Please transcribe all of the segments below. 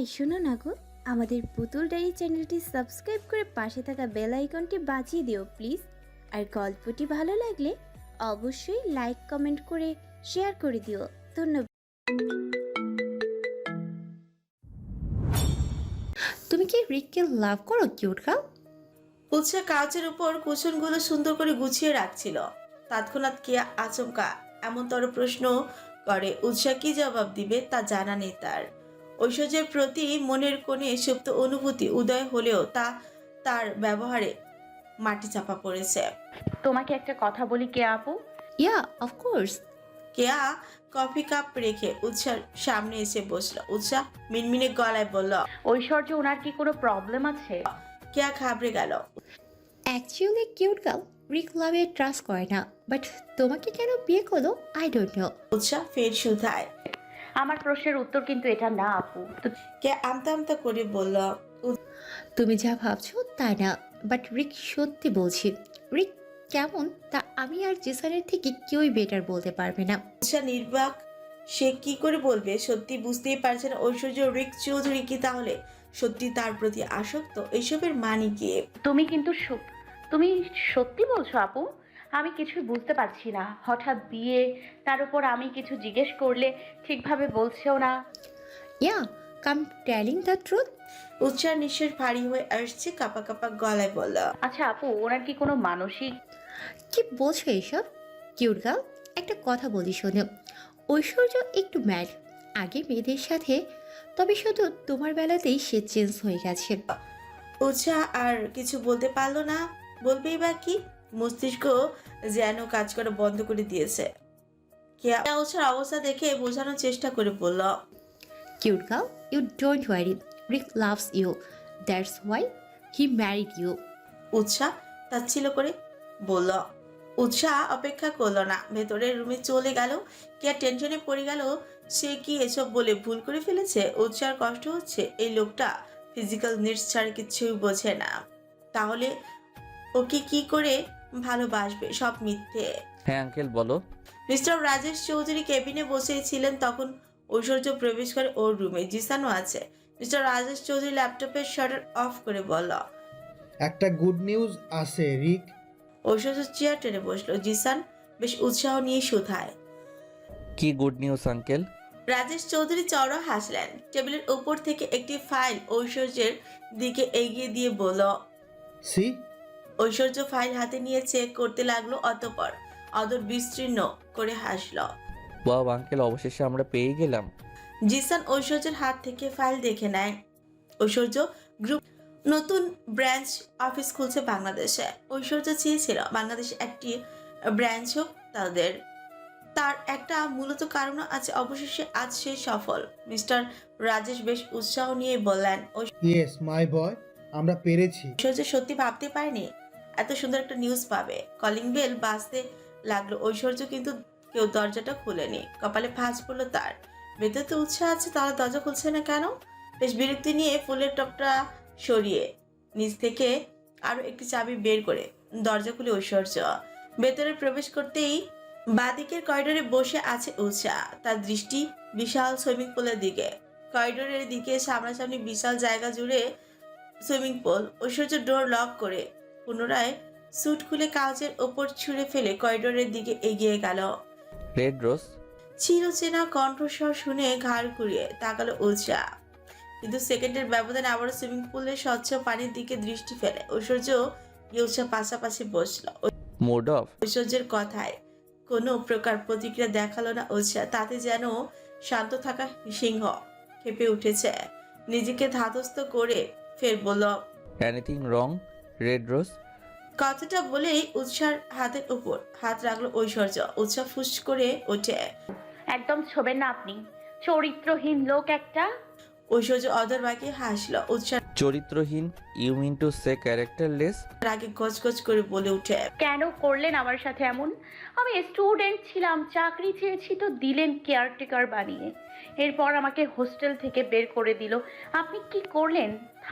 এই শোনো না গো, আমাদের পুতুল ডায়েরি চ্যানেলটি সাবস্ক্রাইব করে পাশে থাকা বেল আইকনটি বাজিয়ে দিও প্লিজ। আর গল্পটি ভালো লাগলে অবশ্যই লাইক কমেন্ট করে শেয়ার করে দিও। ধন্যবাদ। তুমি কি রিককে লাভ করো কিউট গার্ল? উৎসা কাউচের উপর কুশনগুলো সুন্দর করে গুছিয়ে রাখছিল। তৎক্ষণাৎ কেয়া আচমকা এমনতর প্রশ্ন করে, উৎসা কি জবাব দিবে তা জানা নেই তার। ঐশ্বর্যের প্রতি মনের কোণে সুপ্ত অনুভূতি উদয় হলেও তা তার ব্যবহারে মাটি চাপা পড়েছে। তোমাকে একটা কথা বলি কে আপু। Yeah of course. Keya coffee cup রেখে উৎসার সামনে এসে বসলো। উৎসা মিনমিনে গলায় বলল। ঐশ্বর্য ওনার কি কোনো প্রবলেম আছে? কেয়া ঘাবড়ে গেল। অ্যাকচুয়ালি কিউট গার্ল রিক লাভে ট্রাস্ট করে না, বাট তোমাকে কেন বিয়ে করলো আই ডোন্ট নো। উৎসা ফের শুধায়। আমার প্রশ্নের উত্তর কিন্তু এটা না আপু। তো কেয়া আমতা আমতা করে বলল। তুমি যা ভাবছো তা না, বাট রিক সত্যি বলছি, রিক কেমন তা আমি আর জেসানের থেকে কেউই বেটার বলতে পারবে না। উৎসা নির্বাক, সে কি করে বলবে? সত্যি বুঝতেই পারছে না ঐশ্বর্য রিক চৌধুরী কি তাহলে সত্যি তার প্রতি আসক্ত? এইসবের মানে কি? তুমি সত্যি বলছো আপু? আমি কিছুই বুঝতে পারছি না। হঠাৎ বিয়ে, তার উপর আমি কিছু জিজ্ঞেস করলে ঠিকভাবে বলছেও না। Yeah come telling the truth. উৎসার নিঃশ্বাস ভারী হয়ে আসছে, কাপা কাপা গলায় বলল। আচ্ছা আপু, ওনার কি কোনো মানসিক? কি বলছো এসব? কিউট গার্ল একটা কথা বলি শোনো, ঐশ্বর্য একটু ম্যাড আগে মেয়েদের সাথে, তবে শুধু তোমার বেলাতেই সে চেঞ্জ হয়ে গেছে। উৎসা আর কিছু বলতে পারলো না। বলবেই বা কি? মস্তিষ্ক যেন কাজ করা বন্ধ করে দিয়েছে। কেয়া উৎসার অবস্থা দেখে বোঝানোর চেষ্টা করে বলল। Cute girl you don't worry, Rik loves you, that's why he married you. Utsah তাচ্ছিল্য করে বলল। উৎসাহ অপেক্ষা করলো না, ভেতরের রুমে চলে গেল। কে টেনশনে পড়ে গেল, সে কি এসব বলে ভুল করে ফেলেছে? উৎসার কষ্ট হচ্ছে, এই লোকটা ফিজিক্যাল নিডস ছাড়া কিছুই বোঝে না। তাহলে ওকে কি করে ভালোবাসবে? সব মিথ্যে। হ্যাঁ আঙ্কেল বলো। মিস্টার রাজেশ চৌধুরী কেবিনে বসেছিলেন, তখন ঐশ্বর্য প্রবেশ করে ওর রুমে। জিসানও আছে। মিস্টার রাজেশ চৌধুরী ল্যাপটপের শাটার অফ করে বলল। একটা গুড নিউজ আছে রিক। ঐশ্বর্য চেয়ার টেনে বসলো। জিসান বেশ উৎসাহ নিয়ে শুধায়। কি good news uncle? Rajesh Chowdhury চওড়া হাসলেন। টেবিলের উপর থেকে একটি ফাইল ঐশ্বর্যের দিকে এগিয়ে দিয়ে বলল। সি। ঐশ্বর্য ফাইল হাতে নিয়ে চেক করতে লাগলো, অতঃপর অদর বিস্তীর্ণ করে হাসলো। ওয়াও আঙ্কেল, অবশেষে আমরা পেয়ে গেলাম। জিসান ঐশ্বর্যের হাত থেকে ফাইল দেখে নেয়। ঐশ্বর্য গ্রুপ নতুন ব্রাঞ্চ অফিস খুলছে বাংলাদেশে। ঐশ্বর্য চেয়েছিল বাংলাদেশে একটি ব্রাঞ্চ হোক তাদের। তার একটা মূলত কারণ আছে। অবশেষে আজ সে সফল। মিস্টার রাজেশ বেশ উৎসাহ নিয়ে বললেন। ইয়েস মাই বয়, আমরা পেরেছি। ঐশ্বর্য সত্যি ভাবতে পারেনি এত সুন্দর একটা নিউজ পাবে। কলিং বেল বাজতে লাগলো। ঐশ্বর্য কিন্তু কেউ দরজাটা খুলেনি। কপালে ভাঁজ পড়লো তার। ভেতরে তো উৎসাহ আছে, তাহলে দরজা খুলছে না কেন? বেশ বিরক্তি নিয়ে ফুলের টপটা সরিয়ে নিচ থেকে আরো একটি চাবি বের করে দরজা খুলে ঐশ্বর্য ভেতরে প্রবেশ করতেই বাঁদিকের করিডোরে বসে আছে উৎসাহ। তার দৃষ্টি বিশাল সুইমিং পুলের দিকে। করিডোরের দিকে সামনাসামনি বিশাল জায়গা জুড়ে সুইমিং পুল। ঐশ্বর্য ডোর লক করে পুনরায় স্যুট খুলে কাউচের ওপর ছুঁড়ে ফেলে করিডোরের দিকে এগিয়ে গেল। Red rose. চিরচেনা কণ্ঠস্বর শুনে ঘাড় ঘুরিয়ে তাকালো উৎসাহ, কিন্তু সেকেন্ডের ব্যবধানে আবারও সুইমিং পুলের স্বচ্ছ পানির দিকে দৃষ্টি ফেলে। ঐশ্বর্য উৎসাহ পাশাপাশি বসলো। Mood off. ঐশ্বর্যের কথায় কোনো প্রকার প্রতিক্রিয়া দেখালো না উৎসাহ। তাতে যেন শান্ত থাকা সিংহ খেপে উঠেছে। নিজেকে ধাতস্থ করে ফের বলল। Anything wrong red rose? কথাটা বলেই উৎসার হাতের উপর হাত রাখলো ঐশ্বর্য। উৎসাহ ফুস করে ওঠে। একদম ছবেন না আপনি, চরিত্রহীন লোক একটা। ঐশ্বর্য অধর বাঁকিয়ে হাসলো। উৎসাহ চরিত্রহীন? You mean to say characterless? রাগে গজগজ করে বলে উঠে। কেন করলেন আমার সাথে এমন? আমি স্টুডেন্ট ছিলাম, চাকরি চেয়েছি তো দিলেন কেয়ারটেকার বানিয়ে। এরপর আমাকে হোস্টেল থেকে বের করে দিল। আপনি কি করলেন?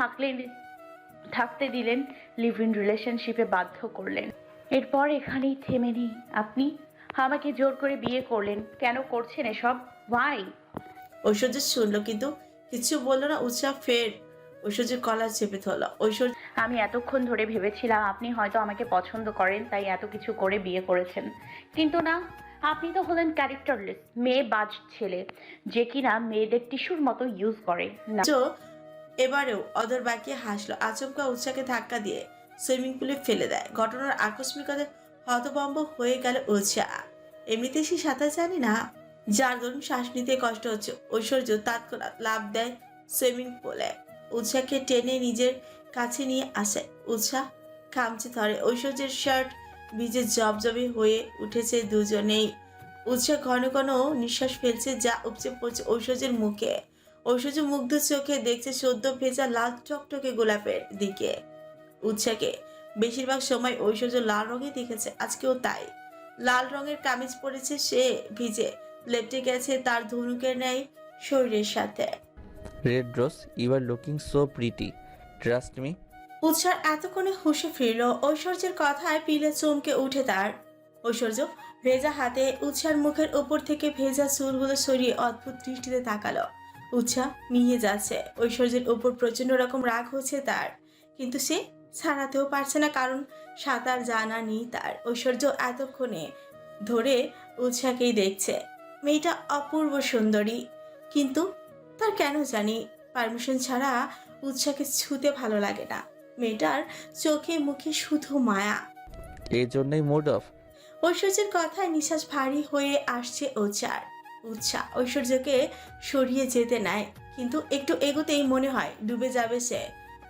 থাকতে দিলেন, লিভ ইন রিলেশনশিপে বাধ্য করলেন। এরপর এখানেই থেমে নেই। আপনি আমাকে জোর করে বিয়ে করলেন। কেন করছেন এসব? ওয়াই? ঐশ্বর্য শুনলো কিন্তু কিছু বললো না উৎসাহ ফের ঐশ্বর্যের কলার চেপে ধরল। ঐশ্বর্য আমি এতক্ষণ ধরে ভেবেছিলাম আপনি হয়তো আমাকে পছন্দ করেন, তাই এত কিছু করে বিয়ে করেছেন। কিন্তু না, আপনি তো হলেন ক্যারেক্টারলেস মেয়ে বাজ ছেলে, যে কিনা মেয়েদের টিস্যুর মতো ইউজ করে না। এবারেও অদর বাকিয়ে হাসলো। আচমকা উৎসাহকে ধাক্কা দিয়ে সুইমিং পুলে ফেলে দেয়। ঘটনার আকস্মিকতায় হতভম্ব হয়ে গেল উৎসাহ। এমনিতে সে সাঁতার জানে না, যার দরুন শ্বাস নিতে কষ্ট হচ্ছে। ঐশ্বর্য তৎক্ষণাৎ লাফ দেয় সুইমিং পুলে, উৎসাহকে টেনে নিজের কাছে নিয়ে আসে। উৎসাহ খামচে ধরে। ঐশ্বর্যের শার্ট ভিজে জবজবে হয়ে উঠেছে দুজনেই। উৎসাহ ঘন ঘন নিঃশ্বাস ফেলছে, যা উপচে পড়ছে ঐশ্বর্যের মুখে। ঐশ্বর্য মুগ্ধ চোখে দেখছে সদ্য ভেজা লাল টকটকে গোলাপের দিকে। উৎসাহকে বেশিরভাগ সময় ঐশ্বর্য লাল রঙে দেখেছে, আজকেও তাই। লাল রঙের কামিজ পরেছে সে, ভিজে লেপটে গেছে তার ধনুকের ন্যায় শরীরের সাথে। Red rose, you are looking so pretty, trust me. উৎসার এতক্ষণে হুঁশে ফিরল। ঐশ্বর্যের কথায় পিলে চমকে উঠে তার। ঐশ্বর্য ভেজা হাতে উৎসার মুখের উপর থেকে ভেজা চুলগুলো সরিয়ে অদ্ভুত দৃষ্টিতে তাকালো। উৎসাহ মিয়ে যাচ্ছে। ঐশ্বর্যের উপর প্রচন্ড রকম রাগ হচ্ছে তার, কিন্তু সে ছাড়াতেও পারছে না, কারণ সাঁতার জানা নেই তার। ঐশ্বর্য এতক্ষণে ধরে উৎসাহকেই দেখছে। মেয়েটা অপূর্ব সুন্দরী, কিন্তু তার কেন জানি পারমিশন ছাড়া উৎসাহকে ছুতে ভালো লাগে না। মেয়েটার চোখে মুখে শুধু মায়া। এই জন্যই মুড অফ। ঐশ্বর্যের কথায় নিঃশ্বাস ভারী হয়ে আসছে উৎসাহ ঐশ্বর্যকে সরিয়ে যেতে নেয়, কিন্তু একটু এগোতেই মনে হয় ডুবে যাবে সে।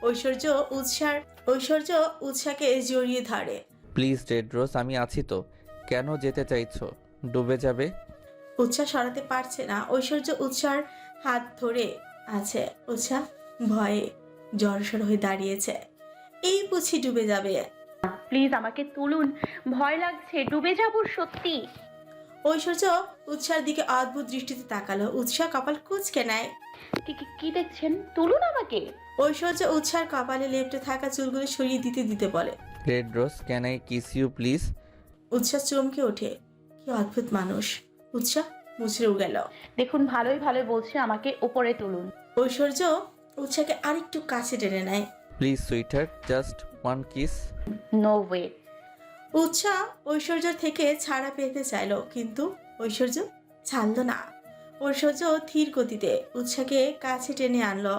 ঐশ্বর্য উৎসাহকে জড়িয়ে ধরে। প্লিজ রেড রোজ, আমি আছি তো, কেন যেতে চাইছো? ডুবে যাবে। উৎসাহ সরাতে পারছে না। ঐশ্বর্য উৎসাহর হাত ধরে আছে। উৎসাহ ভয়ে জড়সড় হয়ে দাঁড়িয়েছে। এই বুঝি ডুবে যাবে। প্লিজ আমাকে তুলুন, ভয় লাগছে, ডুবে যাব সত্যি। ঐশ্বর্য উৎসাহের দিকে অদ্ভুত দৃষ্টিতে তাকালো। উৎসাহ কপাল কুঁচকে নেয়। কি দেখছেন? তুলুন আমাকে। ঐশ্বর্য উৎসাহের কপালে লেপ্টে থাকা চুলগুলো সরিয়ে দিতে দিতে বলে। Red rose, can I kiss you please? Utsah চমকে ওঠে। কি অদ্ভুত মানুষ। উৎসাহ মুচড়েও গেল। দেখুন, ভালোই ভালোই বলছে, আমাকে উপরে তুলুন। ঐশ্বর্য উৎসাহকে আরেকটু কাছে টেনে নেয়। Please sweeter, just one kiss. No way. Utsah Aishwarya থেকে ছাড়া পেতে চাইলো, কিন্তু ঐশ্বর্য ছাড়লো না। ঐশ্বর্য ধীর গতিতে উৎসাহকে কাছে টেনে আনলো,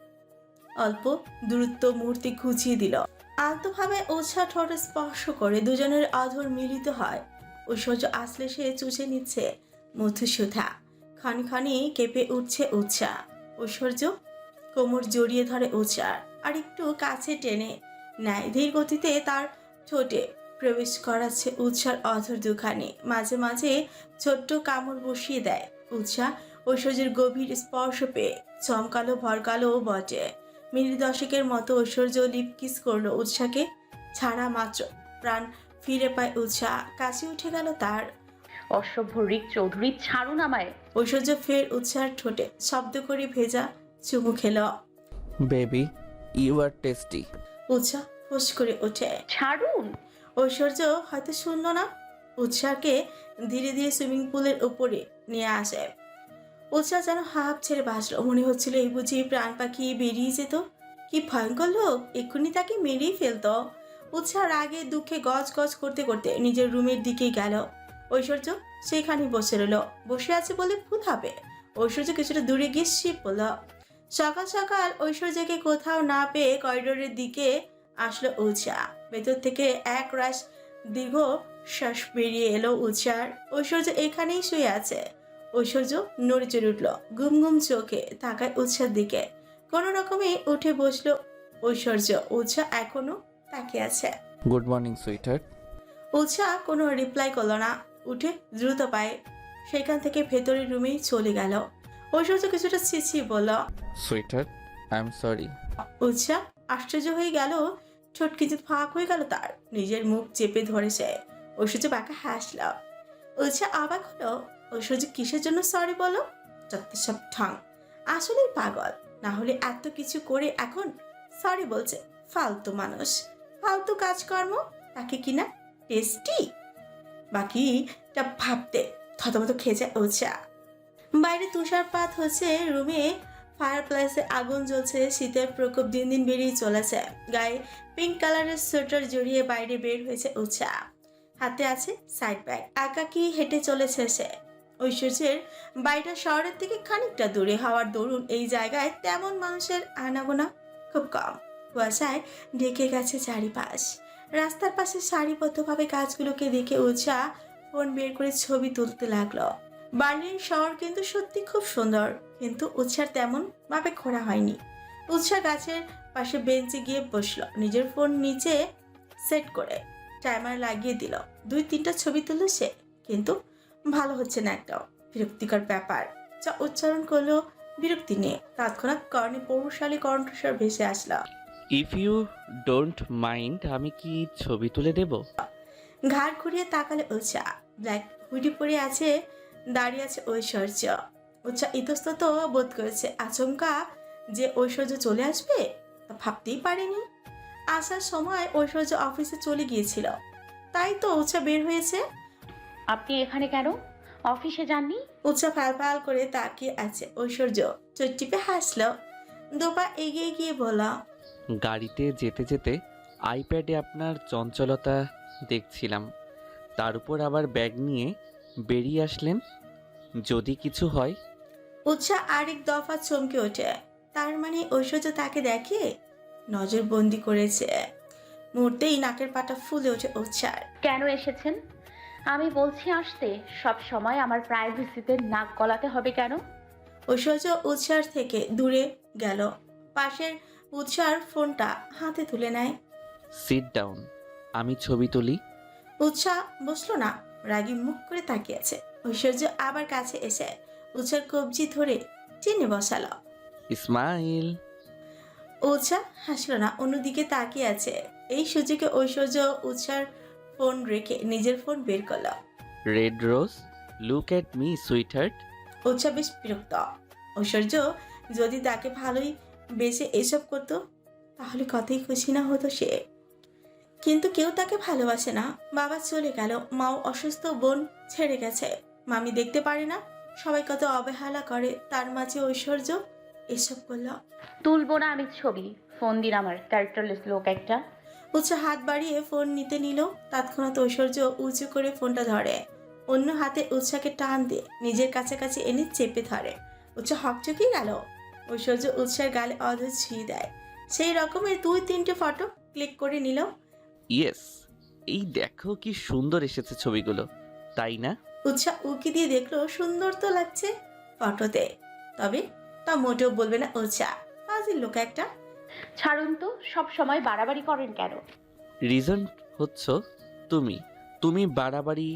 অল্প দূরত্ব মুহূর্তে ঘুচিয়ে দিল। আলতোভাবে উৎসাহ ঠোঁট স্পর্শ করে দুজনের অধর মিলিত হয়। ঐশ্বর্য আসলে সে চুষে নিচ্ছে মধুসূধা। ক্ষণে ক্ষণে কেঁপে উঠছে উৎসাহ। ঐশ্বর্য কোমর জড়িয়ে ধরে উৎসাহ, আর একটু কাছে টেনে নেয়। ধীর গতিতে তার ঠোঁটে প্রবেশ করাচ্ছে উৎসার অধর দুখানে। মাঝে মাঝে ছোট্ট কামড় বসিয়ে দেয় উৎসাহ। ঐশ্বর্যের গভীর স্পর্শ পেয়ে চমকালো ভরকালো বটে। মিনিট দশেকের মতো ঐশ্বর্য লিপ কিস করলো উৎসাহকে। ছাড়া মাত্র প্রাণ ফিরে পায় উৎসাহ। কাছে উঠে গেল তার। অসভ্য রিক চৌধুরী, ছাড়ুন আমায়। ঐশ্বর্য ফের উৎসাহের ঠোঁটে শব্দ করে ভেজা চুমু খেল। Baby, you are tasty. Utsah ফুস করে ওঠে। ছাড়ুন। ঐশ্বর্য হয়তো শুনল না। উৎসাহকে ধীরে ধীরে সুইমিং পুলের উপরে নিয়ে আসে। উৎসাহ যেন হাঁপ ছেড়ে বাঁচল। মনে হচ্ছিল এই বুঝি প্রাণ পাখি বেরিয়ে যেত। কি ভয়ঙ্কর লোক, এক্ষুনি তাকে মেরেই ফেলতো। উৎসাহ রাগে দুঃখে গজ গজ করতে করতে নিজের রুমের দিকেই গেল। ঐশ্বর্য সেখানে বসে রইল। বসে আছে বলে ভুল হবে। ঐশ্বর্য কিছুটা দূরে গিয়ে শিব পড়ল। সকাল সকাল ঐশ্বর্যকে কোথাও না পেয়ে করিডোরের দিকে আসলো উৎসাহ। ভেতর থেকে এক রাশ দীর্ঘ শ্বাস বেরিয়ে এলো উৎসার। ঐশ্বর্য এখানেই শুয়ে আছে। ঐশ্বর্য নড়ে চড়ে উঠল, ঘুম ঘুম চোখে তাকায় উৎসার দিকে। কোনো রকমে উঠে বসলো ঐশ্বর্য। উৎসাহ এখনো তাকিয়ে আছে। Good morning sweeter. উৎসাহ কোনো রিপ্লাই করলো না। উঠে দ্রুত পায়ে সেখান থেকে ভেতরের রুমেই চলে গেল। ঐশ্বর্য কিছুটা ছিছি বলল। Sweeter, I am sorry. Utsah আশ্চর্য হয়ে গেল। ঠোঁট কিছু ফাঁক হয়ে গেল তার। নিজের মুখ চেপে ধরেছে। ঐশ্বর্য বাঁকা হাসল। উৎসাহ অবাক হলো। ঐশ্বর্য কিসের জন্য সরি বলো? যত সব ঠং। আসলেই পাগল, না হলে এত কিছু করে এখন সরি বলছে। ফালতু মানুষ, ফালতু কাজকর্ম। তাকে কিনা টেস্টি। বাকিটা ভাবতে থতমত খেয়ে যায় উৎসাহ। বাইরে তুষারপাত হচ্ছে। রুমে ফায়ার প্লেসে আগুন জ্বলছে, শীতের প্রকোপ দিন দিন বেড়েই চলেছে। গায়ে পিঙ্ক কালারের সোয়েটার জড়িয়ে বাইরে বের হয়েছে উৎসা। হাতে আছে সাইড ব্যাগ, একাকি হেঁটে চলেছে সে। ঐশ্বর্যের বাড়িটা শহরের থেকে খানিকটা দূরে হওয়ার দরুন এই জায়গায় তেমন মানুষের আনাগোনা খুব কম। কুয়াশায় ঢেকে গেছে চারিপাশ। রাস্তার পাশে সারিবদ্ধভাবে গাছগুলোকে দেখে উৎসা ফোন বের করে ছবি তুলতে লাগলো। বার্লিন শহর কিন্তু সত্যি খুব সুন্দর, কিন্তু উৎসার তেমন ভাবে ঘোরা হয়নি। উৎসা গাছের পাশে বেঞ্চে গিয়ে বসলো, নিজের ফোন নিচে সেট করে টাইমার লাগিয়ে দিল। 2-3টা ছবি তুলল সে, কিন্তু ভালো হচ্ছে না একটাও। বিরক্তিকর ব্যাপার। যা উচ্চারণ করলো বিরক্তি নিয়ে, তৎক্ষণাৎ কর্ণে পৌরশালী কণ্ঠস্বর ভেসে আসলো। ইফ ইউ ডোন্ট মাইন্ড আমি কি ছবি তুলে দেব? ঘাড় ঘুরিয়ে তাকালে উৎসা। ব্ল্যাক হুডি পরে আছে, দাঁড়িয়ে আছে ঐশ্বর্য। উৎসা ইতস্তত বোধ করেছে। আচমকা যে ঐশ্বর্য চলে আসবে তা ভাবতেই পারেনি। আসার সময় ঐশ্বর্য অফিসে চলে গিয়েছিল, তাই তো উৎসা বের হয়েছে। আপনি এখানে কেন? অফিসে যাননি? উৎসা ফাল করে তাকিয়ে আছে। ঐশ্বর্য চোখ টিপে হাসলো, দোপা এগিয়ে গিয়ে বলা, গাড়িতে যেতে যেতে আইপ্যাডে আপনার চঞ্চলতা দেখছিলাম, তার উপর আবার ব্যাগ নিয়ে বেরিয়ে আসলেন। যদি কিছু হয়? উৎসা আরেক দফা চমকে ওঠে। তার মানে ঐশ্বর্য তাকে দেখে, নজরবন্দি করেছে। মুহূর্তেই নাকের পাটা ফুলে ওঠে উৎসার। কেন এসেছেন? আমি বলছি আসতে। সব সময় আমার প্রাইভেসিতে নাক গলাতে হবে কেন? ঐশ্বর্য উৎসার থেকে দূরে গেল, পাশের উৎসার ফোনটা হাতে তুলে নেয়। সিট ডাউন, আমি ছবি তুলি। উৎসা বসলো না, রাগী মুখ করে তাকিয়ে আছে। ঐশ্বর্য আবার কাছে এসে উৎসার কবজি ধরে টেনে বসালো। ইসমাইল। উৎসা হাসলো না, অন্যদিকে তাকিয়ে আছে। এই সুযোগে ঐশ্বর্য উৎসার ফোন রেখে নিজের ফোন বের করলো। Red rose, look at me sweetheart. Utsa বেশ বিরক্ত। ঐশ্বর্য যদি তাকে ভালোই বেশে এসব করতো তাহলে কতই খুশি না হতো সে। কিন্তু কেউ তাকে ভালোবাসে না। বাবা চলে গেল, মাও অসুস্থ, বোন ছেড়ে গেছে, মামি দেখতে পারে না, সবাই কত অবহেলা করে, তার মাঝে ঐশ্বর্য এসব করলো। তুলবো না আমি ছবি। ফোন দিন আমার ক্যারেক্টারলেস লোক একটা। উৎসা হাত বাড়িয়ে ফোন নিতে নিল, তৎক্ষণাৎ ঐশ্বর্য উঁচু করে ফোনটা ধরে, অন্য হাতে উৎসাকে টান দিয়ে নিজের কাছাকাছি এনে চেপে ধরে। উৎসা হকচকিয়ে গেল। ঐশ্বর্য উৎসার গালে অধর ছুঁয়ে দেয়। সেই রকমের 2-3টে ফটো ক্লিক করে নিল। ইয়েস, এই দেখো কি সুন্দর এসেছে ছবিগুলো, তাই না? উৎসা উকি দিয়ে দেখলো সুন্দর তো লাগছে ফটোতে, তবে তা মোটেও বলবে না উৎসা। ফাজিল লোক একটা। ছাড়ুন তো, সব সময় বাড়াবাড়ি করেন কেন? রিজন হচ্ছ তুমি। তুমি বাড়াবাড়ি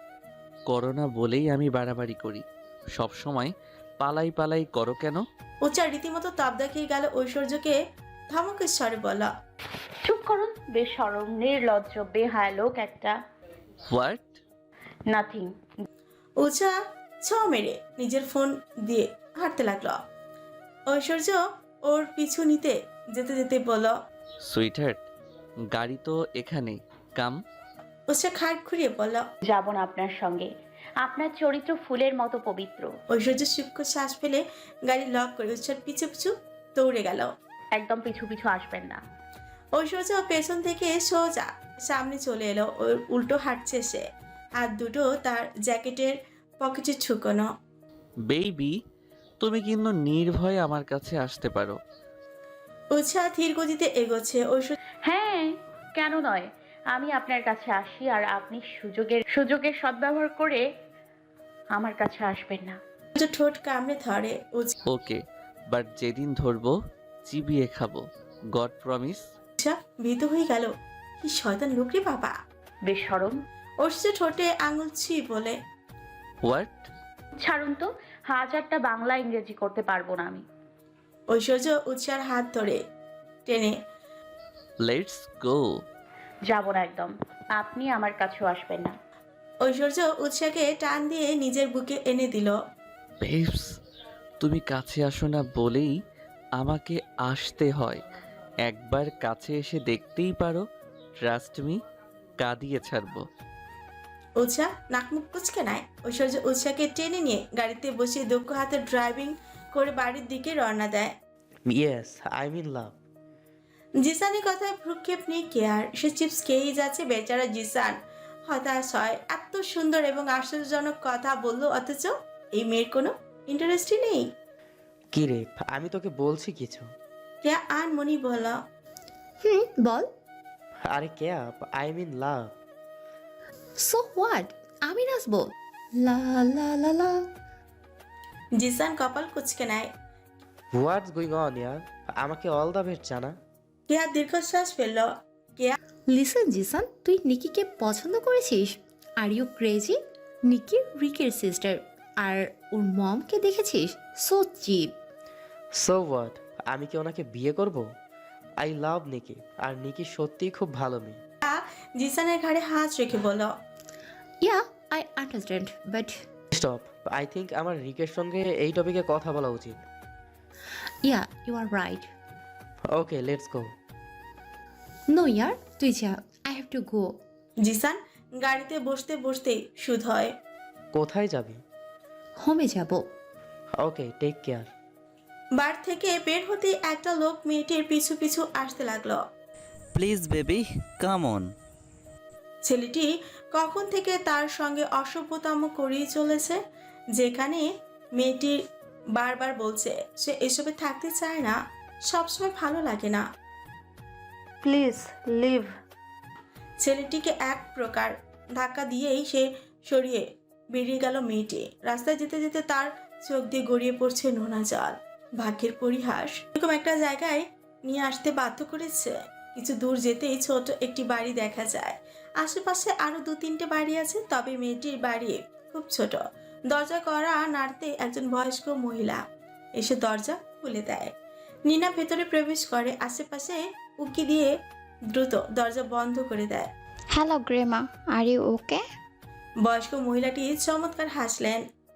করো না বলেই আমি বাড়াবাড়ি করি। সব সময় পালাই পালাই করো কেন? উৎসা রীতিমতো তাপ দেখিয়ে গেল ঐশ্বর্যকে, ধমকের স্বরে বলা, চুপ করুন, বেশরম নির্লজ্জ বেহায়া লোক একটা। হোয়াট? নাথিং। উৎসা ছ মেরে নিজের ফোন দিয়ে হাঁটতে লাগলো। ঐশ্বর্য ওর পিছু নিতে যেতে যেতে বলল, সুইটহার্ট, গাড়ি তো এখানে, কাম। উৎসা খাট ঘুরিয়ে বলল। যাব না আপনার সঙ্গে। আপনার চরিত্র ফুলের মতো পবিত্র। ঐশ্বর্য সূক্ষ্ম শ্বাস ফেলে গাড়ি লক করে উৎসার পিছু পিছু দৌড়ে গেল। একদম পিছু পিছু আসবেন না। ঐশ্বর্য পেছন থেকে সোজা সামনে চলে এলো। ওর উল্টো হাঁটছে সে, হাত দুটো তার জ্যাকেটের পকেটে ঢুকোনো। বেবি, তুমি কিন্তু নির্ভয়ে আমার কাছে আসতে পারো। উৎসাহ ধীর গতিতে এগোচ্ছে। ঐশ্বর্য হ্যাঁ, কেন নয়। আমি আপনার কাছে আসি আর আপনি সুযোগের সদ্ব্যবহার করে আমার কাছে আসবেন না। ঠোঁট কামড়ে ধরে। ওকে, বাট যেদিন ধরবো চিবিয়ে খাবো, গড প্রমিস। উৎসাহ ভীত হয়ে গেল। কি শয়তান লোক রে বাবা। বেশরম। ঐশ্বর্য ঠোঁটে আঙুল ছুঁয়ে বলে, হোয়াট? ছাড়ুন তো, হাজারটা বাংলা ইংরেজি করতে পারবো না আমি। ঐশ্বর্য উৎসার হাত ধরে টেনে। Let's go. যাব না একদম। আপনি আমার কাছেও আসবেন না। ঐশ্বর্য উৎসাকে টান দিয়ে নিজের বুকে এনে দিল। বেবস, তুমি কাছে আসো না বলেই আমাকে আসতে হয়। একবার কাছে এসে দেখতেই পারো, ট্রাস্ট মি, কাঁদিয়ে ছাড়বো। উৎসাহ নাকমুখ কুচকে নেয়। ঐশ্বর্য উৎসাকে টেনে নিয়ে গাড়িতে বসিয়ে দক্ষ হাতে ড্রাইভিং করে বাড়ির দিকে রওনা দেয়। ইয়েস, আই মিন লাভ। জিসানের কথায় ভ্রুক্ষেপ নেই কেয়ার। সে চিপস খেয়েই যাচ্ছে। বেচারা জিসান হতাশ হয়। এত সুন্দর এবং আশ্চর্যজনক কথা বললো, অথচ এই মেয়ের কোনো ইন্টারেস্টই নেই। কি রে, আমি তোকে বলছি কিছু। কেয়া আনমনি বলল, বল। আরে Keya, I mean love. So what, আমি নাচবো? লা লা লা লা। জিসান কপাল কুচকে নেয়। হোয়াটস গোয়িং অন ইয়ার? আমাকে অল দ্য বেস্ট জানা। কেয়া দীর্ঘশ্বাস ফেলল। কেয়া লিসেন জিসান, তুই নিকিকে পছন্দ করেছিস? Are you crazy? নিকি রিকের সিস্টার, আর ওর মমকে দেখেছিস? So chip. সো হোয়াট, আমি কি ওনাকে বিয়ে করব? আই লাভ নিকি, আর নিকি সত্যিই খুব ভালো মেয়ে। জিসানের ঘাড়ে হাত রেখে বলল, yeah, I understand, but stop, I think আমার রিকের সঙ্গে এই টপিকে কথা বলা উচিত। Yeah, you are right. Okay, let's go. No ইয়ার, তুই যা, I have to go. Jisan গাড়িতে বসতে বসতেই সুদ হয়। কোথায় যাবি? হোমে যাব। ওকে, টেক কেয়ার। বার থেকে বের হতেই একটা লোক মেয়েটির পিছু পিছু আসতে লাগলো। Please baby, come on. ছেলেটি কখন থেকে তার সঙ্গে অসভ্যতম করেই চলেছে, যেখানে মেয়েটি বারবার বলছে সে এসবে থাকতে চায় না, সবসময় ভালো লাগে না। Please leave. ছেলেটিকে এক প্রকার ধাক্কা দিয়েই সে সরিয়ে বেরিয়ে গেল মেয়েটি। রাস্তায় যেতে যেতে তার চোখ দিয়ে গড়িয়ে পড়ছে নোনা জল। ভাগ্যের পরিহাস এরকম একটা জায়গায় নিয়ে আসতে বাধ্য করেছে। কিছু দূর যেতেই ছোট একটি বাড়ি দেখা যায়। আশেপাশে আরো 2-3টে বাড়ি আছে, তবে মেয়েটির বাড়ি খুব ছোট। দরজা করা নাড়তে একজন বয়স্ক মহিলা এসে দরজা খুলে দেয়। নিনা ভেতরে প্রবেশ করে, আশেপাশে উকি দিয়ে দ্রুত দরজা বন্ধ করে দেয়। Hello grandma, are you okay? বয়স্ক মহিলাটি চমৎকার হাসলেন।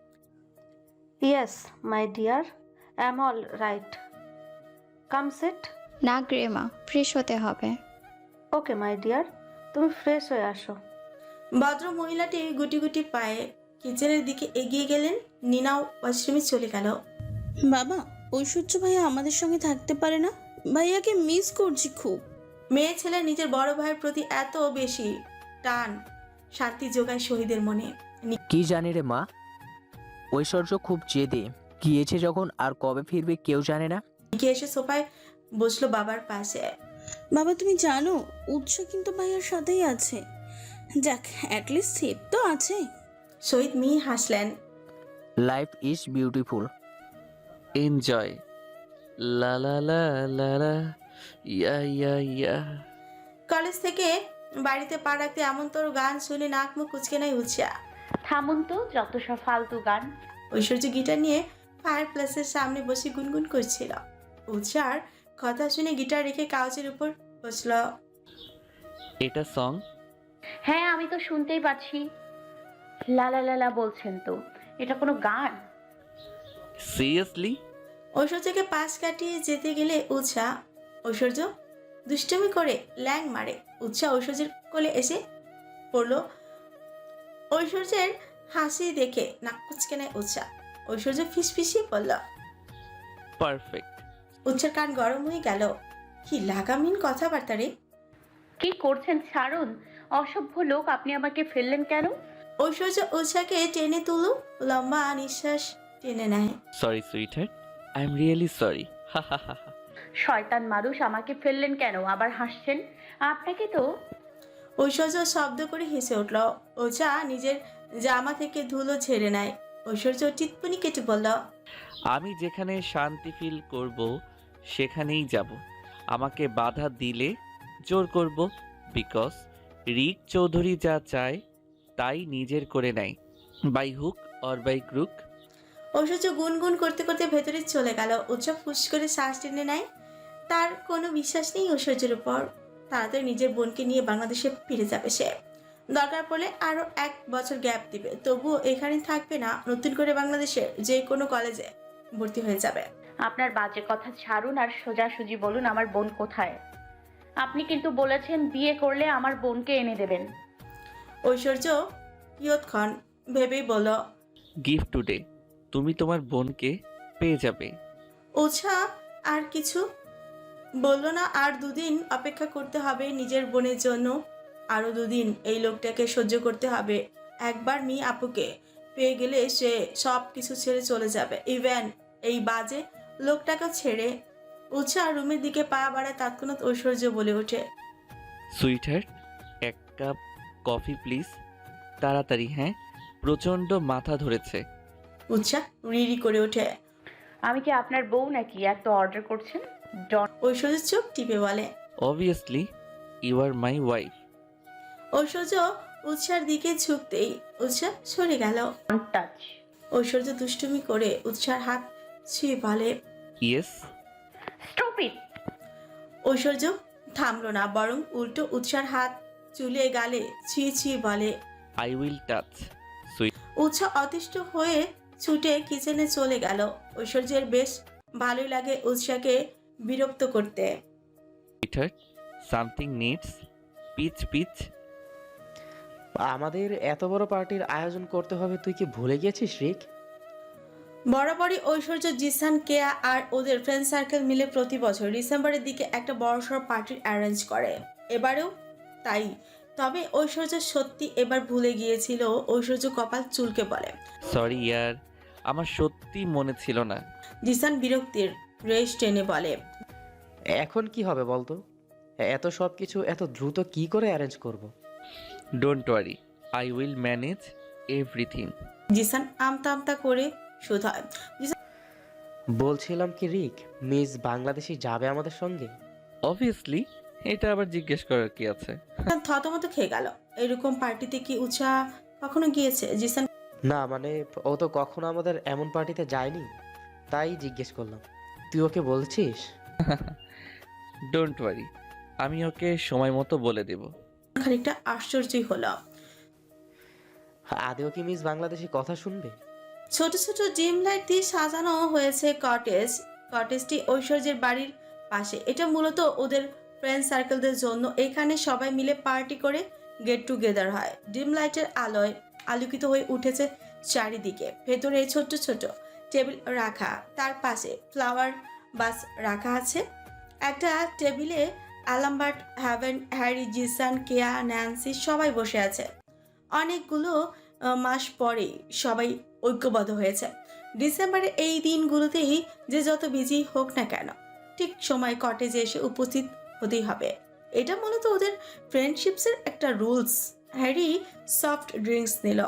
Yes my dear, I am all right. Come sit. না গ্রেমা, ফ্রেশ হতে হবে। ওকে মাই ডিয়ার, তুমি ফ্রেশ হয়ে আসো। ভদ্র মহিলাটি গুটি গুটি পায়ে কিচেনের দিকে এগিয়ে গেলেন। নিনাও ওয়াশরুমে চলে গেল। বাবা, ঐশ্বর্য ভাইয়া আমাদের সঙ্গে থাকতে পারে না? ভাইয়াকে মিস করছি খুব। মেয়ে ছেলে নিজের বড় ভাইয়ের প্রতি এত বেশি টান শান্তি যোগায় শহীদের মনে। কি জানি রে মা, ঐশ্বর্য খুব জেদে, গিয়েছে যখন আর কবে ফিরবে কেউ জানে না। নিকি এসে সোফায় বসলো বাবার পাশে। বাবা তুমি জানো উৎস কিন্তু ভাইয়ার সাথেই আছে। যাক, অ্যাটলিস্ট সেফ তো আছে। শহীদ মিহি হাসলেন। Life is beautiful. এনজয়। লা লা লা লা লা, ইয়া ইয়া ইয়া। কলেজ থেকে বাড়িতে পা রাখতে এমন তোর গান শুনে নাক মুখ কুচকে নাই উৎসা। থামুন তো, যত সব ফালতু গান। ঐশ্বর্য গিটার নিয়ে ফায়ার প্লেসের সামনে বসে গুনগুন করছিল। উৎসার কথা শুনে গিটার রেখে কাউচের উপর বসল। এটা সং? হ্যাঁ, আমি তো শুনতেই পাচ্ছি। লালা লালা বলছেন তো, এটা কোনো গান? সিরিয়াসলি? ঐশ্বর্যকে পাশ কাটিয়ে যেতে গেলে উৎসা ঐশ্বর্য দুষ্টুমি করে ল্যাং মারে। উৎসা ঐশ্বর্যের কোলে এসে পড়ল। ঐশ্বর্যের হাসি দেখে নাক কুচকে নেয় উৎসা। ঐশ্বর্য ফিসফিসিয়ে পড়ল। পারফেক্ট। উৎসার কান গরম হয়ে গেল। কি লাগামহীন কথাবার্তা রে। কি করছেন ছাড়ুন, অসভ্য লোক। আপনি আমাকে ফেললেন কেন? ঐশ্বর্য উৎসাকে টেনে তুলো, লম্বা নিঃশ্বাস টেনে নেয়। Sorry sweetheart, I am really sorry. হা হা হা হা। শয়তান মানুষ, আমাকে ফেললেন কেন? আবার হাসছেন? আপনাকে তো। ঐশ্বর্য শব্দ করে হেসে উঠল। উৎসা নিজের জামা থেকে ধুলো ঝেড়ে নেয়। ঐশ্বর্য টিপ্পনি কেটে বলল, আমি যেখানে শান্তি ফিল করব সেখানেই যাব। আমাকে বাধা দিলে জোর করব, বিকজ রিক চৌধুরী যা চায় তাই নিজের করে নেয়, by hook or by crook. Aishwarya গুনগুন করতে করতে ভেতরে চলে গেল। উৎসব ফুস করে শ্বাস টেনে নেয়। তার কোনো বিশ্বাস নেই ঐশ্বর্যের উপর। তাড়াতাড়ি নিজের বোনকে নিয়ে বাংলাদেশে ফিরে যাবে সে। দরকার পড়লে আরো 1 বছর গ্যাপ দিবে, তবুও এখানে থাকবে না। নতুন করে বাংলাদেশের যে কোনো কলেজে ভর্তি হয়ে যাবে। আপনার বাজে কথা ছাড়ুন আর সোজাসুজি বলুন আমার বোন কোথায়। আপনি কিন্তু বলেছেন বিয়ে করলে আমার বোনকে এনে দেবেন। ঐশ্বর্য কিয়ৎক্ষণ ভেবেই বলল, গিফট টুডে। তুমি তোমার বোনকে পেয়ে যাবে। উৎসাহ আর কিছু বলল না। আর দুদিন অপেক্ষা করতে হবে নিজের বোনের জন্য, আরো দুদিন এই লোকটাকে সহ্য করতে হবে। একবার মি আপুকে পেয়ে গেলে সে সব কিছু ছেড়ে চলে যাবে, ইভেন এই বাজে লোকটাকে ছেড়ে। উৎসাহ রুমের দিকে পা বাড়ায়, তৎক্ষণাৎ ঐশ্বর্য বলে ওঠে, সুইটহার্ট, এক কাপ কফি প্লিজ, তাড়াতাড়ি। হ্যাঁ, প্রচণ্ড মাথা ধরেছে। উৎসাহ রিরি করে ওঠে। আমি কি আপনার বউ নাকি এত অর্ডার করছেন? ডন ঐশ্বর্য চোখ টিপে বলে। Obviously you are my wife. Aishwarya উৎসার দিকে ঝুঁকতেই উৎসাহ সরে গেল। টাচ। ঐশ্বর্য দুষ্টুমি করে উৎসার হাত ছুঁয়ে বলে। ইয়েস। Stop it. ঐশ্বর্য থামলো না, বরং উল্টো উৎসার হাত চুলে গালে ছুঁয়ে ছুঁয়ে বলে। I will touch. উৎসাহ অতিষ্ঠ হয়ে ছুটে কিচেনে চলে গেল। ঐশ্বর্যের বেশ ভালোই লাগে উৎসাহকে বিরক্ত করতে। Sweetheart, something needs pitch pitch. আমাদের এত বড় পার্টির আয়োজন করতে হবে, তুই কি ভুলে গেছিস রিক? বরাবরই ঐশ্বর্য, জিসান, কেয়া আর ওদের ফ্রেন্ড সার্কেল মিলে প্রতি বছর ডিসেম্বরের দিকে একটা বড়সড় পার্টির অ্যারেঞ্জ করে। এবারেও তাই। তবে ঐশ্বর্য সত্যি এবার ভুলে গিয়েছিল। ঐশ্বর্য কপাল চুলকে বলে। সরি ইয়ার, আমার সত্যি মনে ছিল না। জিসান বিরক্তির রেশ টেনে বলে। এখন কি হবে বলতো? এত সব কিছু এত দ্রুত কি করে অ্যারেঞ্জ করব? Don't worry, I will manage everything. Jisan আমতা আমতা করে শুধায়। বলছিলাম কি রিক, মিস বাংলাদেশি যাবে আমাদের সঙ্গে? অবভিয়াসলি, এটা আবার জিজ্ঞেস করার কি আছে? থতমত খেয়ে গেল। এরকম পার্টিতে কি উৎসাহ কখনো গিয়েছে? জিসান না মানে ও তো কখনো আমাদের এমন পার্টিতে যায়নি, তাই জিজ্ঞেস করলাম। তুই ওকে বলছিস? ডোন্ট ওয়ারি, আমি ওকে সময় মতো বলে দেব। খানিকটা আশ্চর্যই হলো। আদেও কি মিস বাংলাদেশি কথা শুনবে? ছোট ছোট ডিম লাইট দিয়ে সাজানো হয়েছে কটেজ। কটেজটি ঐশ্বর্যের বাড়ির পাশে। এটা মূলত ওদের ফ্রেন্ড সার্কেলদের জন্য। এখানে সবাই মিলে পার্টি করে গেট টুগেদার হয়। ডিম লাইটের আলোয় আলোকিত হয়ে উঠেছে চারিদিকে। ভেতরে ছোট ছোট টেবিল রাখা, তার পাশে ফ্লাওয়ার বাস রাখা আছে। একটা টেবিলে Albert, Haven, Harry, Jisan, Keya, Nancy সবাই বসে আছে। অনেকগুলো মাস পরেই সবাই ঐক্যবদ্ধ হয়েছে। ডিসেম্বরের এই দিনগুলোতেই যে যত বিজি হোক না কেন, ঠিক সময় কটেজে এসে উপস্থিত হতেই হবে। এটা মূলত ওদের ফ্রেন্ডশিপসের একটা রুলস। হ্যারি সফট ড্রিঙ্কস নিল।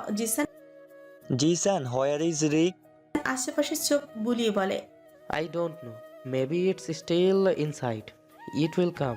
Jisan, where is Rick? আশেপাশে চোখ বুলিয়ে বলে। I don't know, maybe it's still inside, it will come.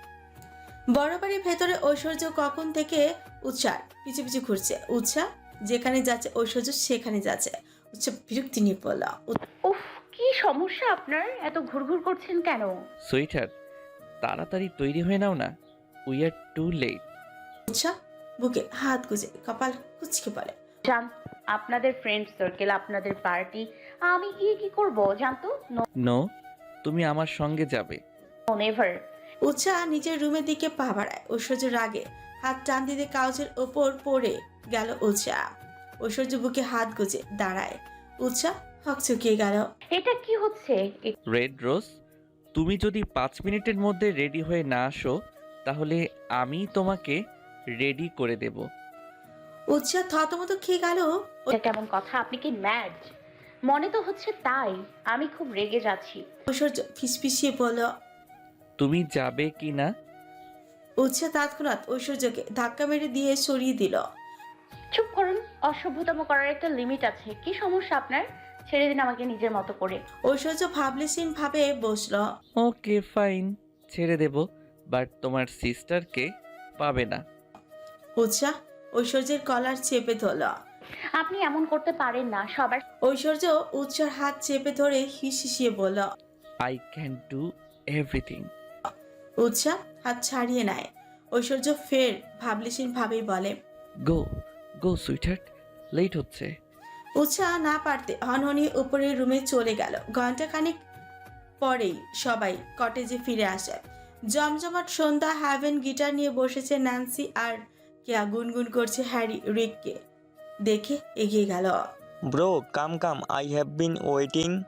বরাবরই ভেতরে ঐশ্বর্য কখন থেকে উৎসাহ পিছু পিছু ঘুরছে। উৎসাহ যেখানে যাচ্ছে ঐশ্বর্য সেখানে যাচ্ছে। উৎসাহ বিরক্তি নিয়ে বলল। উফ, কি সমস্যা আপনার? এত ঘুরঘুর করছেন কেন? সুইটহার্ট, তাড়াতাড়ি তৈরি হয়ে নাও না, উই আর টু লেট। উৎসাহ বুকে হাত গুজে কপাল কুচকে বলে। জান, আপনাদের ফ্রেন্ড সার্কেল, আপনাদের পার্টি, আমি গিয়ে কি করব জানতো? নো, তুমি আমার সঙ্গে যাবে। নেভার। উৎসাহ নিজের রুমের দিকে পা বাড়ায়। ঐশ্বর্য রাগে হাত টান দিতে কাউচের ওপর পড়ে গেল উৎসাহ। ঐশ্বর্য বুকে হাত গুজে দাঁড়ায়। উৎসাহ হকচকিয়ে গেল। এটা কি হচ্ছে? রেড রোজ, তুমি যদি 5 মিনিটের মধ্যে রেডি হয়ে না আসো, তাহলে আমি তোমাকে রেডি করে দেব। উৎসাহ থতমত খেয়ে গেল। এটা কেমন কথা? আপনি কি ম্যাড? মনে তো হচ্ছে তাই। আমি খুব রেগে যাচ্ছি। ঐশ্বর্য ফিসফিসিয়ে বলল। তুমি যাবে কি না? উৎসাহ তৎক্ষণাৎ ঐশ্বর্যকে ধাক্কা মেরে দিয়ে সরিয়ে দিল। চুপ করুন, অসভ্যতম করার একটা লিমিট আছে। কি সমস্যা আপনার? ছেড়ে দিন আমাকে নিজের মতো করে। ঐশ্বর্য ভাবলেশীন ভাবে বসল। ওকে ফাইন, ছেড়ে দেব, বাট তোমার সিস্টারকে পাবে না। উৎসাহ ঐশ্বর্যের কলার চেপে ধরল। আপনি এমন করতে পারেন না। সবার ঐশ্বর্য উৎসার হাত চেপে ধরে হিসিয়ে বলল। I can do everything. Utsah হাত ছাড়িয়ে নেয়। ঐশ্বর্য ফের ভাবলেশীন ভাবেই বলে। গো গো সুইটহার্ট, লেট হচ্ছে। উৎসাহ না পারতে হনহনিয়ে উপরের রুমে চলে গেল। ঘন্টাখানেক পরেই সবাই কটেজে ফিরে আসে। জমজমাট সন্ধ্যা। হ্যাভেন গিটার নিয়ে বসেছে ন্যান্সি, আর কেয়া গুনগুন করছে। হ্যারি রিককে দেখে এগিয়ে গেল। Bro, come come, I have been waiting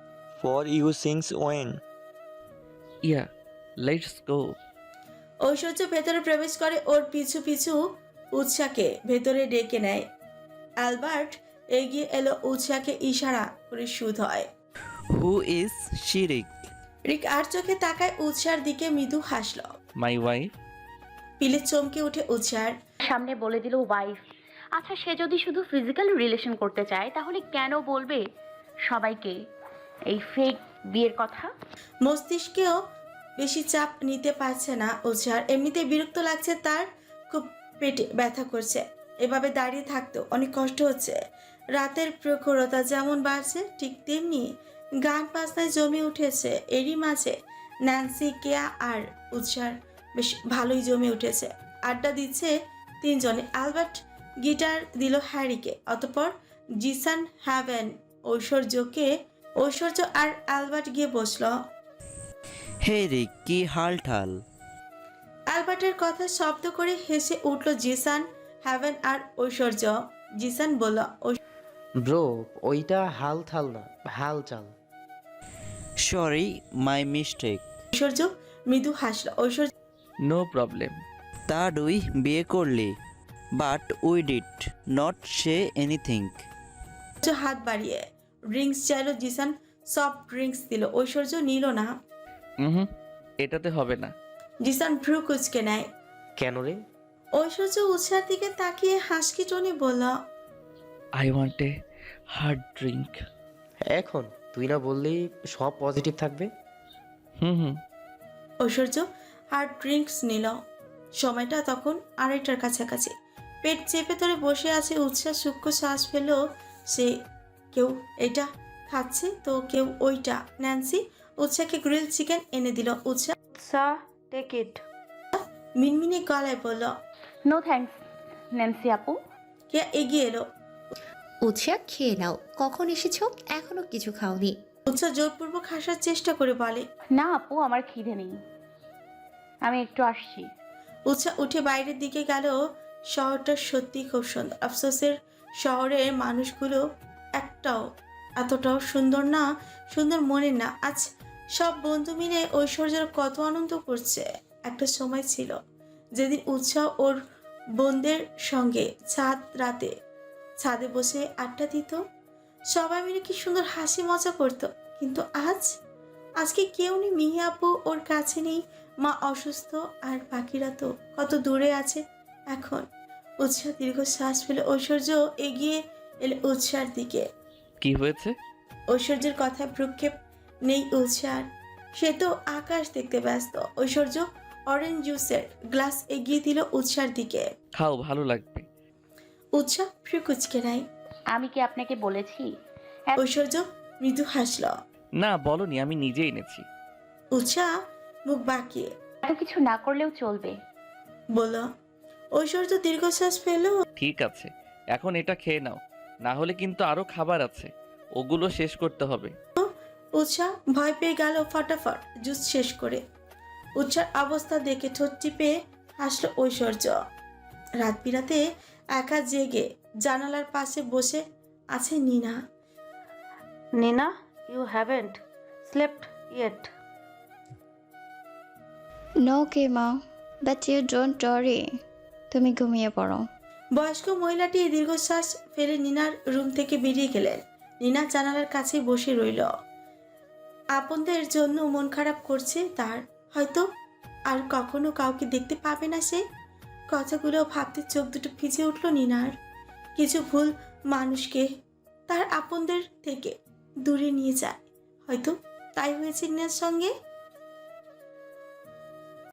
for you since when? Yeah let's go. Aishwarya ভেতরে প্রবেশ করে, ওর পিছু পিছু উৎসাকে ভেতরে ডেকে নেয়। অ্যালবার্ট এগিয়ে এলো, উৎসাকে ইশারা করে শুধ হয়। হু ইজ শি রিক? রিক আর চোখে তাকায় উৎসার দিকে, মৃদু হাসল। My wife. পিলে চমকে উঠে উৎসার। সামনে বলে দিল ওয়াইফ। আচ্ছা, সে যদি শুধু ফিজিক্যাল রিলেশন করতে চায় তাহলে কেন বলবে সবাইকে এই ফেক বিয়ের কথা? মস্তিষ্কেও বেশি চাপ নিতে পারছে না উৎসার, এমনিতে বিরক্ত লাগছে তার, খুব পেটে ব্যথা করছে। এভাবে দাঁড়িয়ে থাকতেও অনেক কষ্ট হচ্ছে। রাতের প্রখরতা যেমন বাড়ছে ঠিক তেমনি গান বাজনায় জমে উঠেছে। এরই মাঝে ন্যান্সি, কেয়া আর উৎসার বেশ ভালোই জমে উঠেছে। আড্ডা দিচ্ছে তিনজনে। অ্যালবার্ট গিটার দিল হ্যারিকে, অতঃপর জিসান, হ্যাভেন, ঐশ্বর্য আর অ্যালবার্ট গিয়ে বসল। হে রিক, কি হাল ঠাল? অ্যালবার্টের কথা শব্দ করে হেসে উঠল জিসান, হ্যাভেন আর ঐশ্বর্য। জিসান বলল, ব্রো, ওইটা হাল থাল না, হাল চাল। Sorry, my mistake. ঐশ্বর্য মৃদু হাসল। Aishwarya, no problem. তা দুই বিয়ে করলি, but we did not say anything. হাত বাড়িয়ে ড্রিঙ্কস চাইল। জিসান সফট ড্রিঙ্কস দিল, ঐশ্বর্য নিল না। হুম, এটাতে হবে না। জিসান ভ্রু কুচকে নেয়। কেন রে? ঐশ্বর্য উৎসার দিকে তাকিয়ে হাসকি টনে বলল, I want a hard drink. এখন তুই না বললি সব পজিটিভ থাকবে? হুম। ঐশ্বর্য হার্ড ড্রিঙ্কস নিল। সময়টা তখন 2:30টার কাছাকাছি। পেট চেপে ধরে বসে আছে উৎসাহ, সূক্ষ্ম শ্বাস ফেল সে। কেউ এটা খাচ্ছে তো কেউ ওইটা। ন্যান্সি উৎসাহকে গ্রিল চিকেন এনে দিল। উৎসাহ, টেক ইট। মিনমিনে গলায় বলল, নো থ্যাঙ্কস ন্যান্সি আপু। কে এগিয়ে এলো। উৎসাহ, খেয়ে নাও। কখন এসেছো, এখনো কিছু খাওনি? উৎসাহ জোরপূর্বক হাসার চেষ্টা করে বলে, না আপু, আমার খিদে নেই, আমি একটু আসছি। উৎসাহ উঠে বাইরের দিকে গেল। শহরটা সত্যি খুব সুন্দর। আফসোসের শহরের মানুষগুলো এতটাও সুন্দর না, সুন্দর মনে না। আজ সব বন্ধু মিলে ঐশ্বর্যের কত আনন্দ করছে। একটা সময় ছিল যেদিন উৎসাহ ওর বোনদের সঙ্গে রাতে ছাদে বসে আড্ডা দিত, সবাই মিলে কি সুন্দর হাসি মজা করতো। কিন্তু আজকে কেউ নেই। মিহি আপু ওর কাছে নেই, মা অসুস্থ, আর বাকিরা তো কত দূরে আছে। এখন উৎসাহ দীর্ঘশ্বাস ফেলে ঐশ্বর্য এগিয়ে এলে উৎসার দিকে। কি হয়েছে? ঐশ্বর্যের কথায় ভ্রুক্ষেপ নেই উৎসার, সে তো আকাশ দেখতে ব্যস্ত। ঐশ্বর্য অরেঞ্জ জুসের গ্লাস এগিয়ে দিল উৎসার দিকে। খাও, ভালো লাগবে। উৎসাহ ফ্রি কুচকে নেয়। আমি কি আপনাকে বলেছি? ঐশ্বর্য মৃদু হাসল। না বলনি, আমি নিজে এনেছি। উৎসাহ মুখ বাঁকিয়ে এত কিছু না করলেও চলবে বলল। ঐশ্বর্য দীর্ঘশ্বাস ফেল। ঠিক আছে, এখন এটা খেয়ে নাও, না হলে কিন্তু আরো খাবার আছে, ওগুলো শেষ করতে হবে। উৎসাহ ভয় পেয়ে গেল ফটাফট জুস শেষ করে। উৎসার অবস্থা দেখে ঠোঁট টিপে হাসল ঐশ্বর্য। রাত বিরাতে একা জেগে জানালার পাশে বসে আছে Nina. Nina, you haven't slept yet. No কেমা, বাট ইউ ডোন্ট ওয়ারি। তুমি ঘুমিয়ে পড়ো। বয়স্ক মহিলাটি দীর্ঘশ্বাস ফেলে নিনার রুম থেকে বেরিয়ে গেলেন। নিনা জানালার কাছে বসে রইল। আপনদের জন্য মন খারাপ করছে তার, হয়তো আর কখনো কাউকে দেখতে পাবে না সে। কথাগুলো ভাবতে চোখ দুটো ভিজে উঠল নিনার। কিছু ভুল মানুষকে তার আপনদের থেকে দূরে নিয়ে যায়, হয়তো তাই হয়েছে নিনার সঙ্গে।